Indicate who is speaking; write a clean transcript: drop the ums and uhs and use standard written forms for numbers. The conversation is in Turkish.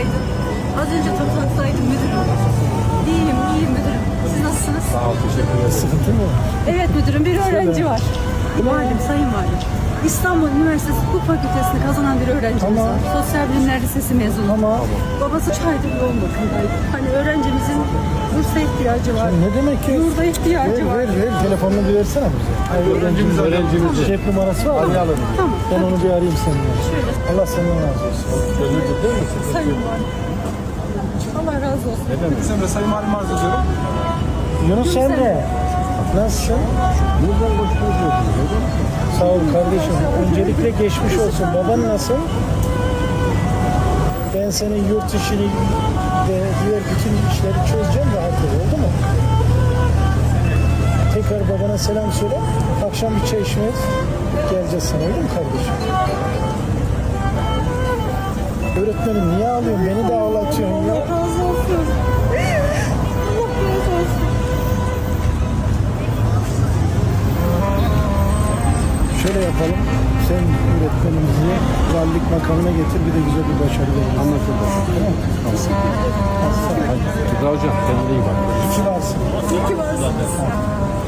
Speaker 1: Günaydın. Az önce toplantıdaydım müdürüm. İyiyim müdürüm. Siz nasılsınız?
Speaker 2: Sağ ol, teşekkür ederim.
Speaker 3: Sıkıntı mı?
Speaker 1: Evet müdürüm, bir öğrenci var. Valim, sayın valim. İstanbul Üniversitesi Hukuk Fakültesini kazanan bir öğrencimiz
Speaker 3: Tamam.
Speaker 1: var. Sosyal Bilimler Lisesi mezunu.
Speaker 3: Ama
Speaker 1: Babası 3 aydır yoğun bakımdaydı. Hani öğrencimizin bursa ihtiyacı var.
Speaker 3: ne demek ki?
Speaker 1: Yurda ihtiyacı var.
Speaker 3: Ver. Telefonunu bir versene bize.
Speaker 2: Öğrencimiz.
Speaker 3: Cep numarası var mı?
Speaker 2: Arayalım.
Speaker 1: Tamam.
Speaker 3: Ben onu bir arayayım seninle.
Speaker 1: Şöyle.
Speaker 3: Allah senden razı olsun.
Speaker 2: Gönüllü değil mi?
Speaker 1: Sayın valim. Allah razı olsun.
Speaker 2: Sen de Sayın Valim arz ediyorum.
Speaker 3: Yunus Emre. Nasılsın?
Speaker 2: Buradan başlıyoruz.
Speaker 3: Sağ ol kardeşim. Öncelikle geçmiş olsun. Baban nasıl? Ben senin yurt işini ve diğer bütün işleri çözeceğim, rahat ol. Oldu mu? Tekrar babana selam söyle. Akşam bir çay içmeye geleceğiz sana. Öyle mi kardeşim? Öğretmenim niye ağlıyorsun? Beni de ağlatıyorsun ya.
Speaker 1: Allah razı olsun. Allah razı olsun.
Speaker 3: Şöyle yapalım. Sen öğretmenimizi valilik makamına getir, bir de güzel bir başarı verelim.
Speaker 2: Anlaşıldı.
Speaker 3: Tamam.
Speaker 2: Hadi. Hocam, kendine iyi bak.
Speaker 3: İyi ki varsın.
Speaker 1: İyi ki varsınız.